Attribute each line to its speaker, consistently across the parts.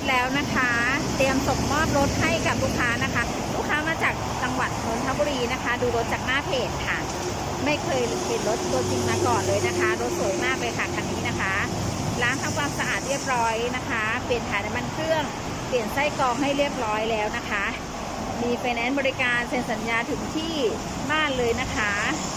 Speaker 1: แล้วนะคะเตรียมส่งมอบรถให้กับลูกค้านะคะลูกค้ามาจากจังหวัดนนทบุรีนะคะดูรถจากหน้าเพจค่ะไม่เคยเห็นรถตัวจริงมาก่อนเลยนะคะรถสวยมากเลยค่ะคันนี้นะคะล้างทำความสะอาดเรียบร้อยนะคะเปลี่ยนถ่ายน้ำมันเครื่องเปลี่ยนไส้กรองให้เรียบร้อยแล้วนะคะมีไฟแนนซ์บริการเซ็นสัญญาถึงที่บ้านเลยนะคะ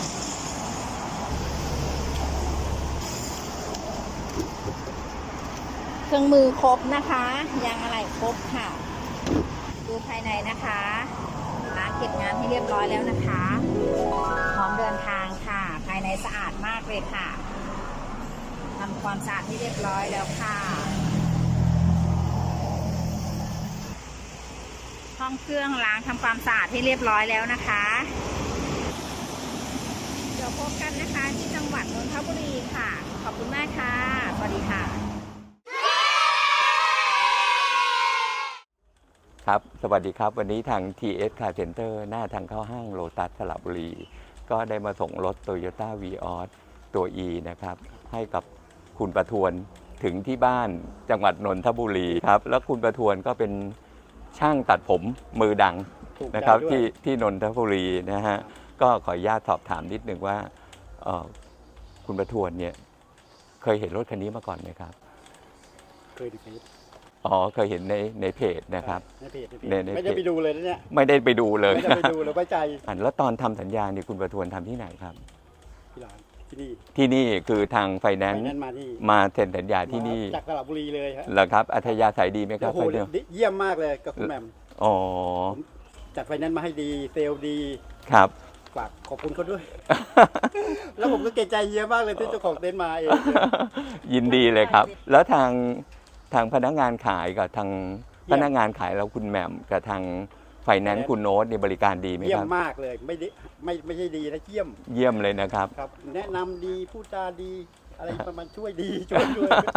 Speaker 1: เครื่องมือครบนะคะยางอะไหล่ครบค่ะดูภายในนะคะล้างเก็บงานให้เรียบร้อยแล้วนะคะพร้อมเดินทางค่ะภายในสะอาดมากเลยค่ะทำความสะอาดให้เรียบร้อยแล้วค่ะห้องเครื่องล้างทำความสะอาดให้เรียบร้อยแล้วนะคะเดี๋ยวพบกันนะคะที่จังหวัดนนทบุรีค่ะขอบคุณมากค่ะสวัสดีค่ะ
Speaker 2: ครับสวัสดีครับวันนี้ทาง TS Car Center หน้าทางเข้าห้างโลตัสสระบุรีก็ได้มาส่งรถ Toyota Vios ตัว E นะครับให้กับคุณประทวนถึงที่บ้านจังหวัดนนทบุรีครับแล้วคุณประทวนก็เป็นช่างตัดผมมือดังนะครับที่นนทบุรีนะฮะก็ขออนุญาตสอบถามนิดนึงว่าคุณประทวนเนี่ยเคยเห็นรถคันนี้มาก่อนไหมครับ
Speaker 3: เคยดู
Speaker 2: เคยเห็นในเพจนะครับ
Speaker 3: ในเพจไม่ได้ไปดูเลยนะเนี่ย
Speaker 2: ไม่ได้ไปดูเลย
Speaker 3: ไม่ได้ไปดูเลยไว้ใจ
Speaker 2: แล้วตอนทำสัญญาเนี่ยคุณประทวนทำที่ไหนครับ
Speaker 3: ที่ร้านที่
Speaker 2: นี่คือทางไฟแนนซ์มาเซ็นสัญญาที่นี่
Speaker 3: จากสระบุรีเลยครับ
Speaker 2: เหรอครับอัธยาศัยดีไหมครับ
Speaker 3: โอ้โหเยี่ยมมากเลยกับคุณแหม่มจัดไฟแนนซ์มาให้ดีเซลล์ดี
Speaker 2: ครับ
Speaker 3: ฝากขอบคุณเขาด้วย แล้วผมก็เกรงใจเยอะมากเลยที่เจ้าของเต็นท์มาเอง
Speaker 2: ยินดีเลยครับแล้วทางพนักงานขายกับทางพนักงานขายเราคุณแหม่มกับทางไฟแนนซ์คุณโน้ตในบริการดีไหมครับ
Speaker 3: เยี่ยมมากเลยไม่ใช่ดีนะเ
Speaker 2: ยี่ยมเลยนะครับ
Speaker 3: ครับแนะนำดีพูดจาดีอะไรประมาณช่วยดีช่วย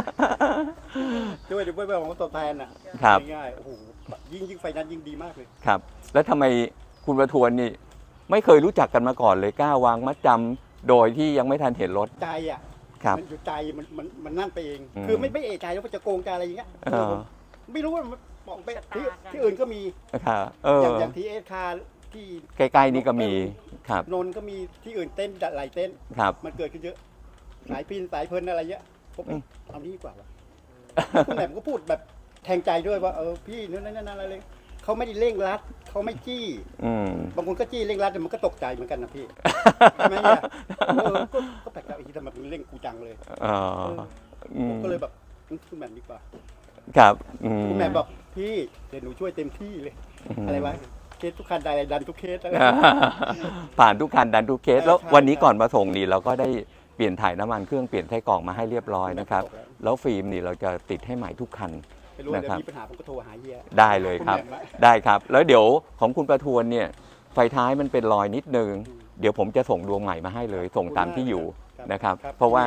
Speaker 3: เดี๋ยวไม่ของตอบแทนอ่ะง่ายๆโอ้โหยิ่งไฟนั้นยิ่งดีมากเลย
Speaker 2: ครับแล้วทำไมคุณประทวนนี่ไม่เคยรู้จักกันมาก่อนเลยกล้าวางมัดจำโดยที่ยังไม่ทันเห็นรถ
Speaker 3: ใจอ่ะมันอยู่ใจมันนั่นไปเอง
Speaker 2: คื
Speaker 3: อไม่เอะใจว่าจะโกงจะอะไรอย่างเงี้ยไม่รู้ว่าบอกไปที่อื่นก็มีอย่างทีเอสคาที่
Speaker 2: ใกล้ๆนี่ก็มีครับ
Speaker 3: นนก็มีที่อื่นเต้นหลายเต้นมันเกิดขึ้นเยอะสายพินสายเพลินอะไรเงี้ยผมเอานี้ดีกว่าคุณแหม่มก็พูดแบบแทงใจด้วยว่าพี่นั่นอะไรเลยเขาไม่ได้เร่งรัดเขาไม่จี้บางคนก็จี้เร่งรัดแต่มันก็ตกใจเหมือนกันนะพี่ใช่ไหมเนี่ยก็แปลกใจอีกทีทำไมมันเร่งกูจังเลยผมก็เลยแบบคุณแหม่มดีกว่า
Speaker 2: ครับ
Speaker 3: คุณแหม่มบอกพี่เดี๋ยวหนูช่วยเต็มที่เลยอะไรวะเคสทุกคันดันทุกเคส
Speaker 2: ผ่านทุกคันดันทุกเคสแล้ววันนี้ก่อนมาส่งนี่เราก็ได้เปลี่ยนถ่ายน้ำมันเครื่องเปลี่ยนไส้กรองมาให้เรียบร้อยนะครับแล้วฟิล์มนี่เราจะติดให้ใหม่ทุกคัน
Speaker 3: นะครับมีปัญหาผมก็โทรหาเฮีย
Speaker 2: ได้เลยครับได้ครับแล้วเดี๋ยวของคุณประทวนเนี่ยไฟท้ายมันเป็นรอยนิดนึงเดี๋ยวผมจะส่งดวงใหม่มาให้เลยส่งตามที่อยู่นะครับเพราะว่า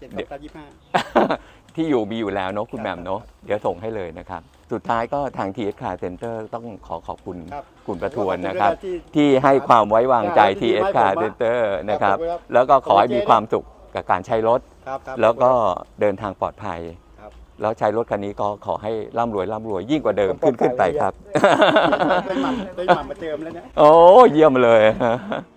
Speaker 2: ที่อยู่มีอยู่แล้วเนาะคุณแหม่มเนาะเดี๋ยวส่งให้เลยนะครับสุดท้ายก็ทาง TS Car Center ต้องขอบคุณคุณประทวนนะครับที่ให้ความไว้วางใจ TS Car Center นะครับแล้วก็ขอให้มีความสุขกับการใช้รถแล้วก็เดินทางปลอดภัยแล้วใช้รถคันนี้ก็ขอให้ร่ำรวยยิ่งกว่าเดิมขึ้นไปครับ
Speaker 3: ได้หม่ำมาเจิมแล้วเนี่ย
Speaker 2: โอ้เยี่ยมเลย